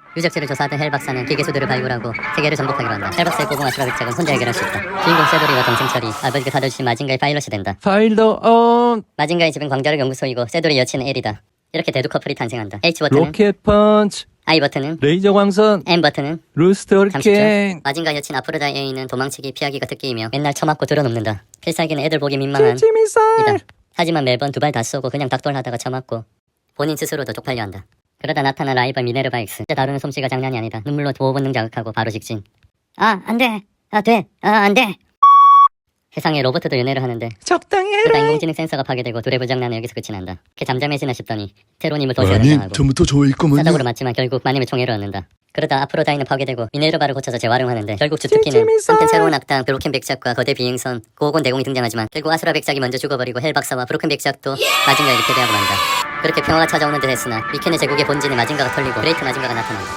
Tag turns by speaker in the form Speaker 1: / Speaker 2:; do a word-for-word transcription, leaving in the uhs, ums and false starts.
Speaker 1: 유적지를 조사하던 헬 박사는 기계수들을 발굴하고 세계를 정복하기로 한다. 헬 박사의 고공 아수라 백작은 혼자 해결할 수 있다. 주인공 세돌이와 동생철이 아버지가 사다주신 마징가의 파일럿이 된다.
Speaker 2: 파일더 온.
Speaker 1: 마징가의 집은 광자력 연구소이고 세돌이 여친 엘이다. 이렇게 대두 커플이 탄생한다. H 버튼은
Speaker 2: 로켓 펀치.
Speaker 1: I 버튼은
Speaker 2: 레이저 광선.
Speaker 1: M 버튼은
Speaker 2: 루스트
Speaker 1: 잠시 후
Speaker 2: 허리케인.
Speaker 1: 마징가 여친 아프로다이 A는 도망치기 피하기가 특기이며 맨날 처맞고 들어눕는다. 필살기는 애들 보기 민망한
Speaker 2: 칠지 미사일.
Speaker 1: 이다. 하지만 매번 두 발 다 쏘고 그냥 닥돌하다가 처맞고 본인 스스로도 쪽팔려 한다. 그러다 나타난 라이벌 미네르바 X. 진짜 다루는 솜씨가 장난이 아니다. 눈물로 보호 본능 자극하고 바로 직진. 아 안돼. 아 돼. 아 안돼. 세상에 로봇도 연애를 하는데
Speaker 2: 적당히
Speaker 1: 그러다
Speaker 2: 해라.
Speaker 1: 인공지능 센서가 파괴되고 둘의 불장난은 여기서 끝이 난다. 걔 잠잠해지나 싶더니 테로님을 도시에
Speaker 3: 아니,
Speaker 1: 등장하고
Speaker 3: 처음부터 저 있구먼요.
Speaker 1: 사적으로 맞지만 결국 마님의 총애를 얻는다. 그러다 아프로다이는 파괴되고 미네르바를 고쳐서 재활용하는데 결국 주특기는
Speaker 2: 찔찔미살.
Speaker 1: 한편 새로운 악당 브로켄 백작과 거대 비행선 고고곤 대공이 등장하지만 결국 아수라 백작이 먼저 죽어버리고 헬 박사와 브로켄 백작도 마징가에게 패배하고 만다. 그렇게 평화가 찾아오는 듯 했으나 미켄의 제국의 본진에 마징가가 털리고 그레이트 마징가가 나타난다.